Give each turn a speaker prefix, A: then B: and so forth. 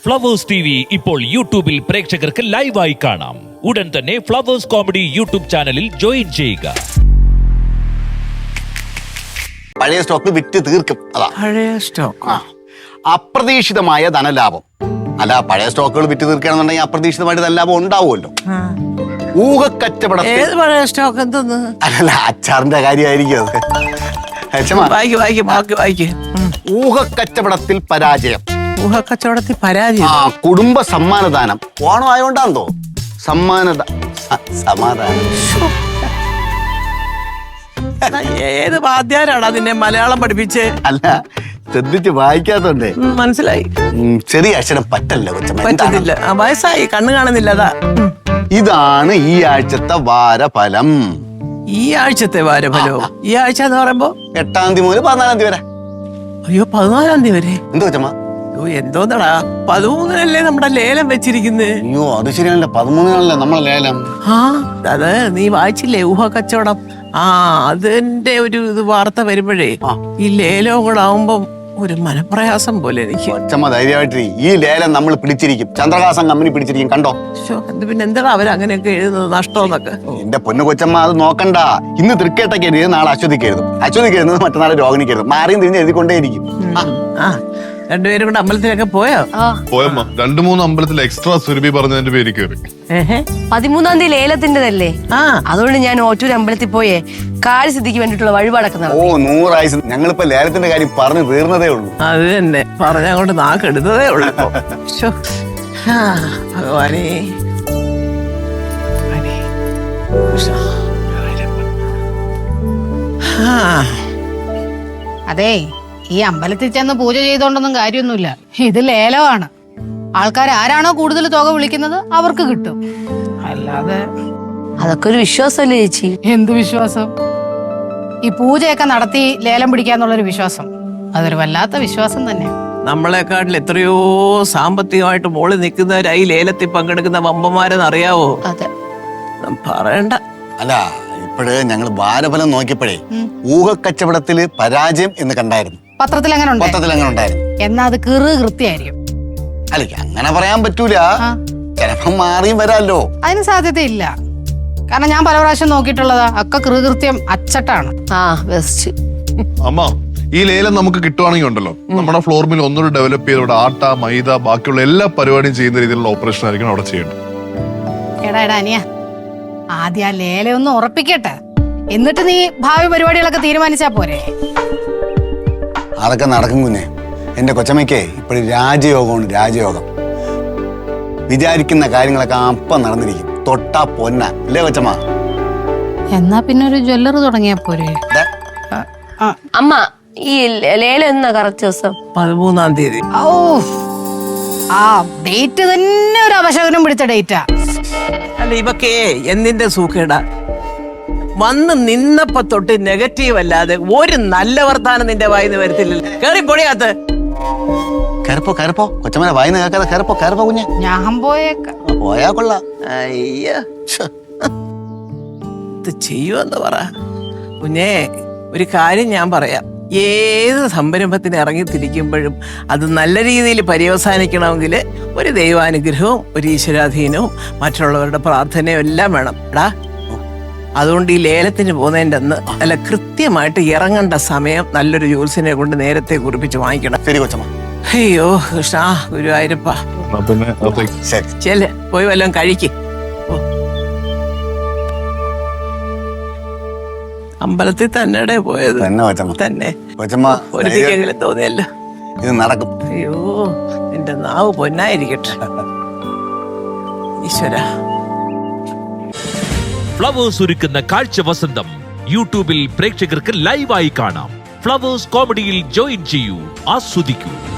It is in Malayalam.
A: ഫ്ലവേഴ്സ് TV ഇപ്പോൾ യൂട്യൂബിൽ പ്രേക്ഷകർക്ക് ലൈവായി കാണാം. ഉടൻ തന്നെ ഫ്ലവേഴ്സ് കോമഡി യൂട്യൂബ് ചാനലിൽ ജോയിൻ ചെയ്യുക.
B: പഴയ സ്റ്റോക്ക് വിറ്റ് തീർക്കും. അതാ
C: പഴയ സ്റ്റോക്ക്.
B: അപ്രതീക്ഷിതമായ ധനലാഭം. അല്ല, പഴയ സ്റ്റോക്കുകൾ വിറ്റ് തീർക്കുകയാണെന്നുണ്ടെങ്കിൽ അപ്രതീക്ഷിതമായിട്ട് ധനലാഭം ഉണ്ടാവുമല്ലോ. ഊഹക്കച്ചവടം.
C: ഏത് പഴയ സ്റ്റോക്ക് എന്തെന്ന്?
B: അല്ല, അച്ചാറിന്റെ കാര്യമായിരിക്കും അത്. ഊഹക്കച്ചവടത്തിൽ പരാജയം.
C: ഊഹക്കച്ചവടത്തിൽ പരാജയം.
B: കുടുംബ സമ്മാനദാനം. ഓണം ആയോണ്ടാന്തോ സമാധാനം.
C: ഏത് വാദ്യാരാണ് അതിനെ മലയാളം പഠിപ്പിച്ചേ?
B: അല്ല, ശ്രദ്ധിച്ച് വായിക്കാത്തോണ്ടേ
C: മനസ്സിലായി.
B: ചെറിയ അക്ഷരം പറ്റല്ലോ കൊച്ചമ്മ.
C: പറ്റുന്നില്ല, വയസ്സായി, കണ്ണു കാണുന്നില്ല. അതാ
B: ഇതാണ് ഈ ആഴ്ചത്തെ വാരഫലം.
C: ഈ ആഴ്ചത്തെ വാരഫലോ? ഈ ആഴ്ച എന്ന് പറയുമ്പോ
B: 8-ാം തീയതി മുതൽ 14-ാം തീയതി വരെ.
C: അയ്യോ, 14-ാം തീയതി വരെ?
B: എന്തോ കൊച്ചമ്മ?
C: എന്തോന്നടാ, 13-നല്ലേ നമ്മുടെ ലേലം വെച്ചിരിക്കുന്നത്?
B: അയ്യോ, അത് ശരിയാണല്ലോ, 13-നാണല്ലോ നമ്മളെ ലേലം.
C: അത് നീ വായിച്ചില്ലേ? ഊഹക്കച്ചവടം. അതിന്റെ ഒരു വാർത്ത വരുമ്പോഴേ ഈ ലേലവും കൂടെ ആവുമ്പോ ഒരു മനപ്രയാസം പോലെ എനിക്ക്.
B: കൊച്ചമ്മ ധൈര്യമായിട്ട്, ഈ ലേലം നമ്മൾ പിടിച്ചിരിക്കും. ചന്ദ്രഹാസം കമ്പനി പിടിച്ചിരിക്കും, കണ്ടോ?
C: പിന്നെ എന്താ അവരങ്ങനെയൊക്കെ എഴുതുന്നത്, നഷ്ടമെന്നൊക്കെ?
B: എന്റെ പൊന്നു കൊച്ചമ്മ, അത് നോക്കണ്ട. ഇന്ന് തൃക്കേട്ടയ്ക്ക് എഴുതി, നാളെ അശ്വതിക്ക് എഴുതും. അശ്വതിക്ക് എഴുതുന്നത് മറ്റന്നാൾ രോഹിണിക്ക് എഴുതും. മാറിയും തിരിഞ്ഞ് എഴുതിക്കൊണ്ടേയിരിക്കും.
C: രണ്ടുപേരും കൂടെ അമ്പലത്തിലൊക്കെ പോയോ?
D: പോയമ്മ. 2-3 അമ്പലത്തിൽ എക്സ്ട്രാ സുരഭി പറഞ്ഞതിന്റെ പേര് കയറി.
E: 13-ാം തീയതി ലേലത്തിന്റെതല്ലേ, അതുകൊണ്ട് ഞാൻ ഓറ്റൂർ അമ്പലത്തിൽ പോയേ കാര്യസിദ്ധിക്ക് വേണ്ടിട്ടുള്ള വഴിപാടൊക്കെ.
B: 100 ആയുസ്. ഞങ്ങളിപ്പോ ലേലത്തിന്റെ കാര്യം പറഞ്ഞു തീർന്നതേ ഉള്ളൂ.
C: അത് തന്നെ പറഞ്ഞങ്ങോട്ട് നാക്കെടുത്തതേ ഉള്ളൂ. ഭഗവാനേ,
F: അതെ, ഈ അമ്പലത്തിൽ ചെന്ന് പൂജ ചെയ്തോണ്ടൊന്നും കാര്യമൊന്നുമില്ല. ഇത് ലേലമാണ്. ആൾക്കാർ ആരാണോ കൂടുതൽ തുക വിളിക്കുന്നത് അവർക്ക് കിട്ടും. അല്ലാതെ
E: അതൊക്കെ ഒരു വിശ്വാസമല്ലേ ചേച്ചി?
F: എന്ത് വിശ്വാസം? ഈ പൂജയൊക്കെ നടത്തി ലേലം പിടിക്കാന്നുള്ളൊരു വിശ്വാസം, അതൊരു വല്ലാത്ത വിശ്വാസം തന്നെ.
C: നമ്മളെക്കാട്ടിൽ എത്രയോ സാമ്പത്തികമായിട്ട് മോളിൽ നിൽക്കുന്നവരായി ലേലത്തിൽ പങ്കെടുക്കുന്ന വമ്പന്മാരെന്ന് അറിയാവോ?
E: അതെ,
C: പറയണ്ട.
B: അല്ല, ഇപ്പോഴ് ഞങ്ങൾ വാരഫലം നോക്കിയപ്പോഴേ ഊഹക്കച്ചവടത്തില് പരാജയം എന്ന് കണ്ടായിരുന്നു.
F: പത്രത്തിൽ അങ്ങനെ
B: ഉണ്ടായിരുന്നു.
F: എന്നാ അത് കൃത്യമായിരിക്കും.
B: അല്ല, അങ്ങനെ പറയാൻ പറ്റൂല. ചിലപ്പം മാറിയും വരാല്ലോ.
F: അതിന് സാധ്യതയില്ല. കാരണം ഞാൻ പല പ്രാവശ്യം നോക്കിയിട്ടുള്ളതാ, ഒക്കെ കൃത്യം അച്ചട്ടാണ്.
E: ബെസ്റ്റ്.
D: അമ്മ, ഈ ലേലം നമുക്ക് കിട്ടുവാണെങ്കിൽ ഉണ്ടല്ലോ, നമ്മുടെ ഫ്ലോർ മിൽ ഒന്നുകൂടി ഡെവലപ്പ് ചെയ്ത് ഇവിടെ ആട്ട, മൈദ, ബാക്കിയുള്ള എല്ലാ പരിപാടിയും ചെയ്യുന്ന രീതിയിലുള്ള ഓപ്പറേഷൻ ആയിരിക്കണം അവിടെ ചെയ്യേണ്ടത്.
F: എടാ അനിയ, ആദ്യം ആ ലേലം ഒന്ന് ഉറപ്പിക്കട്ടെ, എന്നിട്ട് നീ ഭാവി പരിപാടികളൊക്കെ തീരുമാനിച്ചാ പോരെ?
B: അതൊക്കെ നടക്കും കുഞ്ഞെ. എന്റെ കൊച്ചമ്മയ്ക്ക് ഇപ്പോഴും രാജയോഗം. വിചാരിക്കുന്ന കാര്യങ്ങളൊക്കെ അപ്പം നടന്നിരിക്കും. തൊട്ടാ പൊന്ന അല്ലേ കൊച്ചമ്മ?
F: എന്നാ പിന്നെ ഒരു ജ്വല്ലറി തുടങ്ങിയാ പോരെ?
E: അമ്മ, ഈ ലേലം എന്നാ കറക്റ്റ് ദിവസം?
C: 13-ാം തീയതി.
F: ആ ഡേറ്റ് തന്നെ ഒരു അപശകനം പിടിച്ച ഡേറ്റാ.
C: അല്ല, ഇവക്കേ എന്തിന്റെ സൂക്കേടാ? വന്ന് നിന്നപ്പോ തൊട്ട് നെഗറ്റീവ് അല്ലാതെ ഒരു നല്ല വർത്താനം നിന്റെ വായിന്ന് വരത്തില്ലല്ലോ. കേറി പൊടിയാത്ത്.
B: കയറിപ്പോ കൊച്ചമ്മനെ വായിന്ന് കേൾക്കാതെ കയറിപ്പോ കുഞ്ഞെ.
F: ഞാൻ
B: പോയാ കൊള്ളാം.
C: അയ്യോ, ഇത് ചെയ്യുമെന്ന് പറ കുഞ്ഞേ. ഒരു കാര്യം ഞാൻ പറയാം, ഏത് സംരംഭത്തിന് ഇറങ്ങി തിരിക്കുമ്പോഴും അത് നല്ല രീതിയിൽ പര്യവസാനിക്കണമെങ്കിൽ ഒരു ദൈവാനുഗ്രഹവും ഒരു ഈശ്വരാധീനവും മറ്റുള്ളവരുടെ പ്രാർത്ഥനയും എല്ലാം വേണം എടാ. അതുകൊണ്ട് ഈ ലേലത്തിന് പോകുന്നതിൻ്റെ അന്ന് അല്ല, കൃത്യമായിട്ട് ഇറങ്ങേണ്ട സമയം നല്ലൊരു ജ്യോത്സ്യനെ കൊണ്ട് നേരത്തെ കുറിപ്പിച്ച് വാങ്ങിക്കണം.
B: ശരി കൊച്ചമ്മ.
C: അയ്യോ കൃഷ്ണ ഗുരുവായൂരപ്പ. ചെല്ല്, പോയി വല്ലതും കഴിക്ക്. അമ്പലത്തിൽ തന്നെ പോയത് തന്നെ ഒരിക്കലെങ്കിലും തോന്നിയല്ലോ
B: ഇത് നടക്കും.
C: അയ്യോ, എന്റെ നാവ് പൊന്നായിരിക്കട്ടെ ഈശ്വര.
A: ഫ്ലവേഴ്സ് ഒരുക്കുന്ന കാഴ്ച വസന്തം യൂട്യൂബിൽ പ്രേക്ഷകർക്ക് ലൈവായി കാണാം. ഫ്ലവേഴ്സ് കോമഡിയിൽ ജോയിൻ ചെയ്യൂ, ആസ്വദിക്കൂ.